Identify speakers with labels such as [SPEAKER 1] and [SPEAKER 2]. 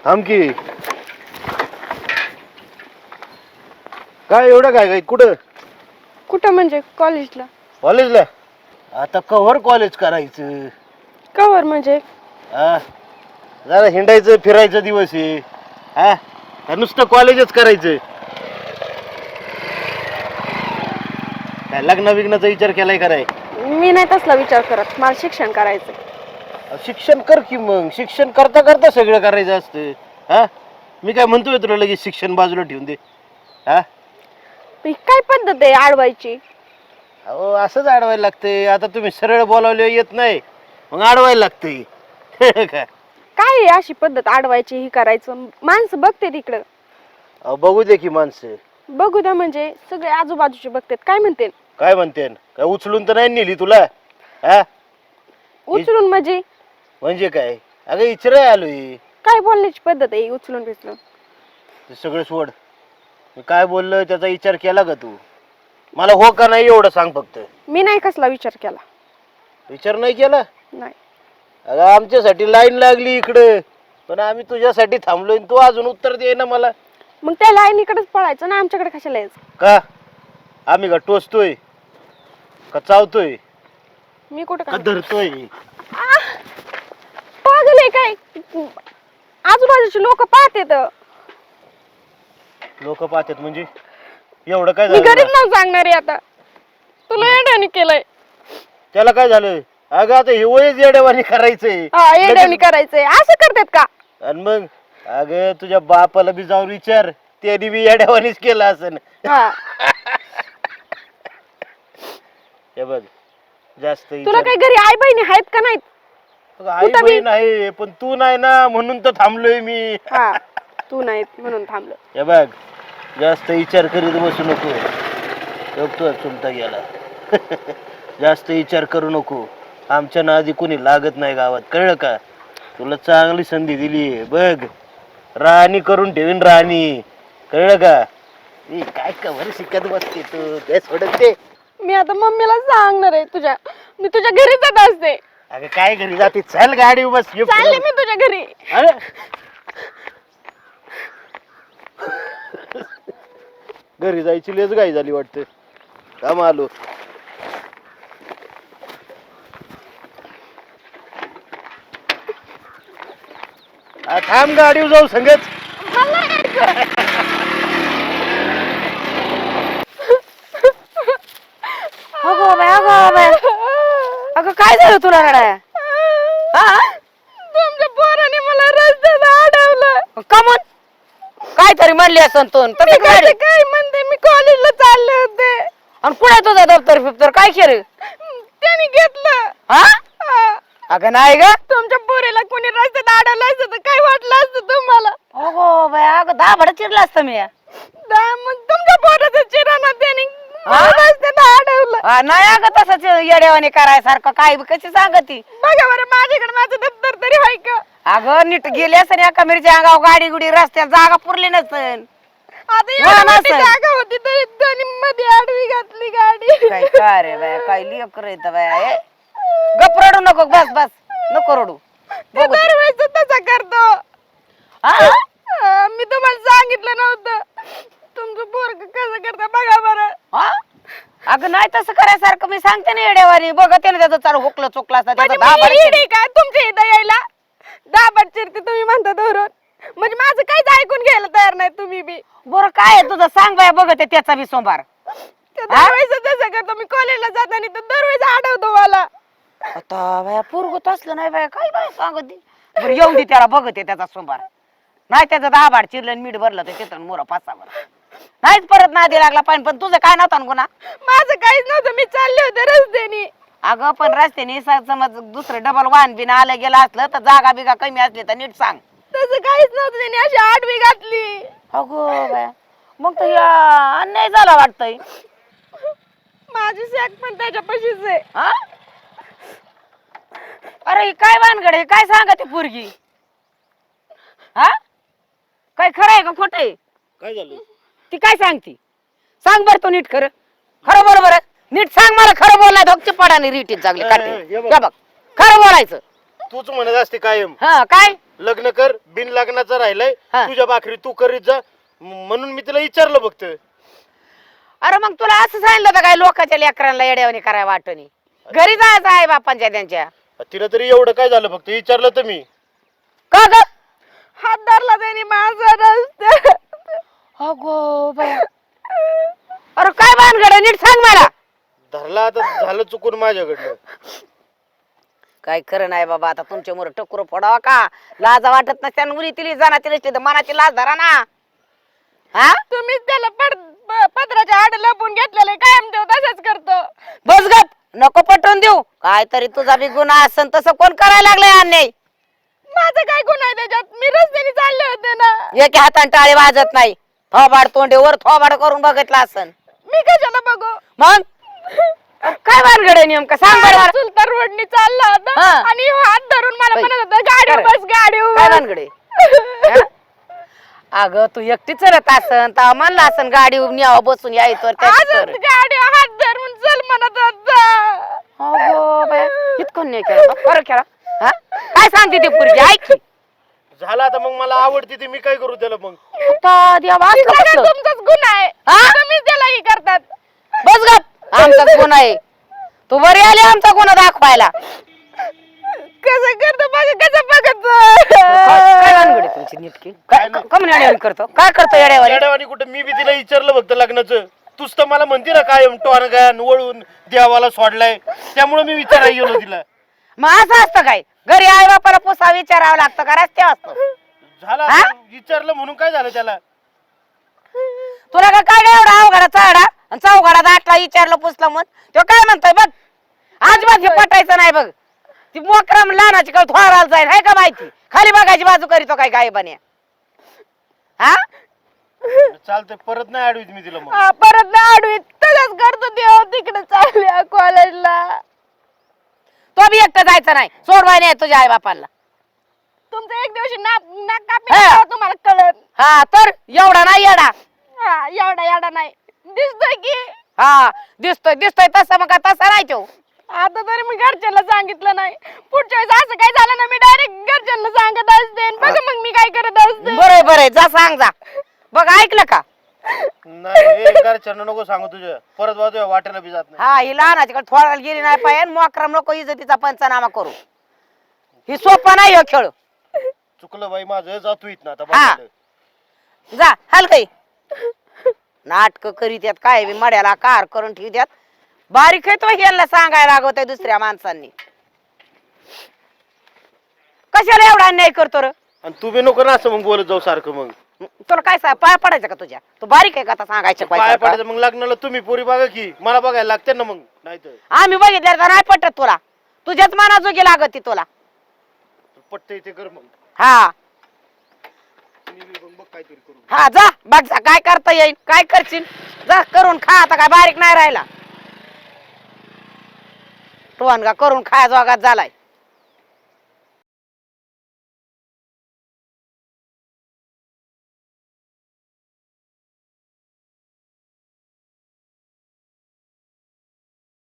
[SPEAKER 1] थांब की. काय एवढं काय कुठं?
[SPEAKER 2] कुठं म्हणजे कॉलेजला?
[SPEAKER 1] कॉलेजला? आता कव्हर कॉलेज करायचं.
[SPEAKER 2] कवर म्हणजे?
[SPEAKER 1] हा, जरा हिंडायचं फिरायचं दिवस आहे. हा, का नुसतं कॉलेजच करायचं? काय लग्न विग्नाचा विचार केलाय कराय?
[SPEAKER 2] मी नाही तसला विचार करत, मला शिक्षण करायचं.
[SPEAKER 1] शिक्षण कर की मग. शिक्षण करता करता सगळं करायचं असतं. हा, मी काय म्हणतोय तुला लगेच शिक्षण बाजूला ठेवून दे? हा,
[SPEAKER 2] काय पद्धत आहे अडवायची?
[SPEAKER 1] अहो असंच अडवायला लागतंय. आता तुम्ही सरळ बोलावले येत नाही, मग अडवायला लागतंय. काय
[SPEAKER 2] काय आहे अशी पद्धत अडवायची? ही करायचं, माणसं बघते तिकडं.
[SPEAKER 1] अहो बघू दे की माणसं.
[SPEAKER 2] बघू द्या म्हणजे सगळे आजूबाजूचे बघतात, काय म्हणते?
[SPEAKER 1] काय म्हणते? काय उचलून तर नाही नेली तुला? हा,
[SPEAKER 2] उचलून
[SPEAKER 1] म्हणजे काय? अगं इचराय आलोय.
[SPEAKER 2] काय बोलण्याची पद्धत आहे उचलून बिचलून?
[SPEAKER 1] ते सगळं सोड. मी काय बोललो त्याचा विचार केला का तू? मला हो का नाही एवढं सांग फक्त.
[SPEAKER 2] मी नाही कसला विचार केला.
[SPEAKER 1] विचार नाही केला?
[SPEAKER 2] नाही.
[SPEAKER 1] अगं आमच्यासाठी लाईन लागली इकडं, पण आम्ही तुझ्यासाठी थांबलोय. तू अजून उत्तर दे ना मला.
[SPEAKER 2] मग त्या लाईनीकडेच पळायचं ना, आमच्याकडे कशाला यायचं?
[SPEAKER 1] का आम्ही का टोचतोय का चावतोय
[SPEAKER 2] मी कुठं
[SPEAKER 1] का
[SPEAKER 2] काय
[SPEAKER 1] धरतोय?
[SPEAKER 2] पागल आहे काय? आजूबाजूचे लोक पाहतात.
[SPEAKER 1] लोक पाहतात म्हणजे एवढं काय
[SPEAKER 2] मी
[SPEAKER 1] झालं?
[SPEAKER 2] घरीच नाव सांगणार आहे आता. तुला येड्याने केलंय.
[SPEAKER 1] त्याला काय झालं? अगं आता हे वयच येड्यावानी करायचंय.
[SPEAKER 2] हा, येड्याने करायचंय. असं करतात का?
[SPEAKER 1] आणि मग अगं तुझ्या बापाला बी जाऊन विचार, त्याने बी येड्यावानीच केलं असं.
[SPEAKER 2] हा.
[SPEAKER 1] हे बघ, जास्त
[SPEAKER 2] तुला काही घरी आई बहिणी आहेत का नाहीत?
[SPEAKER 1] आई बहीण आहे, पण तू नाही ना, म्हणून तर थांबलोय मी.
[SPEAKER 2] हा, तू नाही म्हणून थांबलो.
[SPEAKER 1] हे बघ, जास्त विचार करीत बसू नको. तो चुलता गेला. जास्त विचार करू नको. आमच्या नादी कोणी लागत नाही गावात, कळलं का? तुला चांगली संधी दिली बघ. राणी करून ठेवीन, राणी, कळलं का? काय कवर शिकत बसते तू? ते सोडत ते.
[SPEAKER 2] मी आता मम्मीला सांगणार आहे तुझ्या. मी तुझ्या घरी जात असते.
[SPEAKER 1] अगं काय घरी जाते? चल गाडी बस.
[SPEAKER 2] चालले मी तुझ्या घरी.
[SPEAKER 1] अरे घरी जायची लेच गाई झाली वाटतं. काम आलो. थांब, गाडीवर जाऊ संगच.
[SPEAKER 3] अगं काय झालं तुला रडाय?
[SPEAKER 2] तुमच्या पोराने मला रस्त्यात अडवलं.
[SPEAKER 3] कमून काय तरी म्हणली असं तू?
[SPEAKER 2] काय म्हणते? मी कॉलेजला चालले होते.
[SPEAKER 3] आणि कुठे तुझा दप्तर फिप्तर काय केलं?
[SPEAKER 2] त्याने घेतलं.
[SPEAKER 3] हा,
[SPEAKER 2] हा.
[SPEAKER 3] अगं नाही ग.
[SPEAKER 2] तुमच्या पोरीला कोणी रस्त्यात अडवलं असतं तर काय वाटलं असतं तुम्हाला?
[SPEAKER 3] अगो बाय, अगं दाभड चिरला असतं मी.
[SPEAKER 2] मग तुमच्या पोराचं चिराना त्याने रस्त्यात अडवलं.
[SPEAKER 3] नाही अगं तसंच येड्यावाने करायसारखं काय बी कशी सांगती?
[SPEAKER 2] बघा बरं, माझ्याकडे माझं दप्तर तरी आहे का?
[SPEAKER 3] अगं नीट गेली असं एका मिरच्या अंगावर गाडी गुडी रस्त्यात जागा पुरली नसन.
[SPEAKER 2] आता एवढी मोठी जागा होती तरी त्यांनी मध्ये आडवी घातली गाडी.
[SPEAKER 3] काय काय रे बाय, काय लेकर येत बाय. गप रडू नको, बस बस, नको रडू.
[SPEAKER 2] ते दरवेळेस तसा करतो. मी तुम्हाला सांगितलं नव्हतं. तुमचं पोरग कसं करतं बघा बरं.
[SPEAKER 3] अगं नाही तसं करायसारखं मी सांगते ना येड्यावानी. बघा त्याने त्याचं चालू हुकलं चुकला असता त्याचा दाबड
[SPEAKER 2] म्हणजे काय तुमच्या इथं यायला दाबड चिरते तुम्ही म्हणता धरून? म्हणजे माझं काहीच ऐकून घ्यायला तयार नाही तुम्ही बी.
[SPEAKER 3] बरं काय आहे तुझं सांग बाय, बघते त्याचा बी सोमवार.
[SPEAKER 2] दरवेळेस तसं करतो. मी कॉलेजला जाताना तर दरवेळेस आठवतो मला.
[SPEAKER 3] आता बाया पोरगत असलं नाही बाया, काय बाय सांगत. बरं येऊन दे त्याला, बघते त्याचा सोमवार. नाही त्याचं दाबाड चिरलं मीठ भरलं तर तिथं मोर पाच नाहीच परत नादी लागला पाहिजे. पण तुझं काय नव्हतं गुन्हा?
[SPEAKER 2] माझं काहीच नव्हतं. मी चालले होते रस्त्याने.
[SPEAKER 3] अगं पण रस्त्याने समज दुसरं डबल वाहन बिन आलं गेलं असलं तर जागा बिगा कमी असली तर नीट सांग.
[SPEAKER 2] तसं काहीच नव्हतं. त्याने अशी आडवी घातली.
[SPEAKER 3] अगो बाया, मग तर या अन्याय झाला वाटतंय.
[SPEAKER 2] माझी सॅक पण त्याच्यापाशीच आहे.
[SPEAKER 3] अरे काय भानगड आहे? काय सांगा ती पोरगी? हा, काय खरं आहे का खोट आहे?
[SPEAKER 1] काय झालं?
[SPEAKER 3] ती काय सांगती? सांग बर तू नीट. खरं खरं बरोबर नीट सांग मला. खरं बोललाय धोकची पडाने रीटीत चांगली काढते. बघ खरं बोलायचं.
[SPEAKER 1] तूच म्हणत असते कायम.
[SPEAKER 3] हा काय
[SPEAKER 1] लग्न कर, बिन लग्नाचं राहिलंय,
[SPEAKER 3] हा.
[SPEAKER 1] तुझ्या भाकरी तू करीत जा, म्हणून मी तिला विचारलं फक्त.
[SPEAKER 3] अरे मग तुला असं सांगितलं होतं काय लोकांच्या लेकरांना येड्यावानी करायला वाटणी? घरी जायचं आहे बापांच्या त्यांच्या.
[SPEAKER 1] तिला तरी एवढं काय झालं, फक्त विचारलं तर मी.
[SPEAKER 3] का ग?
[SPEAKER 2] हात धरला त्यांनी माझा रस्त्यात.
[SPEAKER 3] अगो बाया. अरे काय भानगड आहे? नीट सांग मला.
[SPEAKER 1] धरला आता, झालं चुकून माझ्याकडनं.
[SPEAKER 3] काय खरं नाही बाबा, आता तुमच्या मोर टकुर फोडावा का? लाजा वाटत नसत्या मुली तिली जाण्याची नसली तर मनाची लाज धरा ना. हा
[SPEAKER 2] तुम्हीच त्याला पदराच्या आड लपून घेतलेले कायम देव तसंच करतो.
[SPEAKER 3] बस गप, नको पटवून देऊ. काय तरी तुझा बी गुन्हा असन तसं कोण करायला लागलाय अन्याय?
[SPEAKER 2] माझं काय गुन्हा आहे त्याच्यात? मी रस्त्याने चालले होते ना.
[SPEAKER 3] एके हाताने टाळे वाजत नाही. थोबाड तोंडेवर थोबाड करून बघितला असन.
[SPEAKER 2] मी कशाला बघू?
[SPEAKER 3] मग काय भानगड आहे नेमकं सांग बरं मला.
[SPEAKER 2] चुलता रोडनी चालला होता
[SPEAKER 3] हा.
[SPEAKER 2] आणि ह्यो हात धरून मला
[SPEAKER 3] बाई,
[SPEAKER 2] म्हणत होता गाडीवर
[SPEAKER 3] खरं.
[SPEAKER 2] बस गाडीवर
[SPEAKER 3] काय
[SPEAKER 2] बस.
[SPEAKER 3] भानगड आहे? अगं तू एकटी चलत असन तर म्हणलं असन गाडी न्यावं बसून यायचं
[SPEAKER 2] आजच गाडीवर हात धरून चल म्हणत होता.
[SPEAKER 3] इतकं नाही केलं बरं केला. हा काय सांगते ती पोरगी ऐक की.
[SPEAKER 1] झालं आता, मग मला आवडते ती, मी काय करू त्याला मग?
[SPEAKER 3] आता देवा असलं
[SPEAKER 2] सगळं
[SPEAKER 3] कसलं?
[SPEAKER 2] तुमचाच गुन्हा आहे.
[SPEAKER 3] हा?
[SPEAKER 2] तुम्हीच त्याला ही करतात.
[SPEAKER 3] बस गप, आमचाच गुन्हा आहे. तू बरी आली आमचा गुन्हा दाखवायला.
[SPEAKER 2] कसं करतो बघ, कसं बघत
[SPEAKER 3] काय भानगड आहे तुमची नीटकी? काय कमी येड्यावानी करतो? काय करतो येड्यावानी?
[SPEAKER 1] येड्यावानी कुठं? मी बी तिला विचारलं फक्त लग्नाचं. तूच तर मला म्हणते ना काय टोनगान वळून देवाला सोडलाय, त्यामुळे मी विचारायला गेलो तिला.
[SPEAKER 3] मग असं असतं काय? घरी आई बापाला पुसा विचारावं लागतं का रस्त्यावर असतं?
[SPEAKER 1] झालं
[SPEAKER 3] हा?
[SPEAKER 1] आता, विचारलं म्हणून काय झालं त्याला?
[SPEAKER 3] तुला का काय एवढा अवघडा चढा आणि चौघडा दाटला विचारलं पुसलं मग तो काय म्हणतोय बघ. अजिबात हे पटायचं नाही बघ. ती मोकरम लहानाची काय थोराला जाईल आहे का माहिती? खाली बघायची बाजू करीतो काय काय बने. हा
[SPEAKER 1] चालतंय, परत नाही अडवीत मी तिला मग.
[SPEAKER 2] हा, परत ना आडवीत तसंच करतो देव. तिकडे चालल्या कॉलेजला.
[SPEAKER 3] तो बी एकटं जायचं नाही. सोडवाय नाही तुझ्या आई बापाला.
[SPEAKER 2] तुमचं एक दिवशी नाक कापी
[SPEAKER 3] हा.
[SPEAKER 2] तेव्हा तुम्हाला कळत.
[SPEAKER 3] हा तर एवढा नाही येडा.
[SPEAKER 2] हा, एवढा नाही दिसतोय की.
[SPEAKER 3] हा दिसतोय दिसतोय तसा मग तसा नाही तो.
[SPEAKER 2] आता तरी मी घरच्यांना सांगितलं नाही. पुढच्या वेळेस असं काय झालं ना, मी डायरेक्ट घरच्यांना सांगत असते. बघ मग मी काय करत असते.
[SPEAKER 3] बरोबर बरं जा सांग जा. बघ ऐकलं का?
[SPEAKER 1] नाही घरच्यांना नको सांगू तुझ्या, परत वाजूया वाटेला बी जात नाही.
[SPEAKER 3] हा ही लहानाची कडे थोडायला गेली नाही पाहिजे. मोकरम नको इज्जतीचा पंचनामा करू. ही सोपा नाही हो खेळ.
[SPEAKER 1] चुकलं बाई माझं, जातो इथं आता.
[SPEAKER 3] हा.
[SPEAKER 1] बघायला.
[SPEAKER 3] जा हलकई नाटक करीत यात काय बी मड्याला कार करून ठेवत्यात. बारीक आहे तो ह्याला सांगायला लागवत दुसऱ्या माणसांनी. कशाला एवढा अन्याय करतो र?
[SPEAKER 1] आणि तू बी नको ना असं मग बोलत जाऊ सारखं. मग
[SPEAKER 3] तुला काय पाय पडायचं का तुझ्या? तू बारीक आहे का आता सांगायचं
[SPEAKER 1] पाय
[SPEAKER 3] पाहिजे?
[SPEAKER 1] पडायचं मग लग्नाला तुम्ही पोरी बघा की, मला बघायला लागते ना मग. नाही तर
[SPEAKER 3] आम्ही बघितलं तर नाही पटत तुला. तुझ्याच मनाजोगी लागत ती तुला.
[SPEAKER 1] पटतंय ते कर मग.
[SPEAKER 3] हा
[SPEAKER 1] मी बी बघ काहीतरी करू.
[SPEAKER 3] हा जा बघ जा काय करता येईल. काय करशील जा करून खा. आता काय बारीक नाही राहिला. टोनगा करून खाया जोगात झालाय.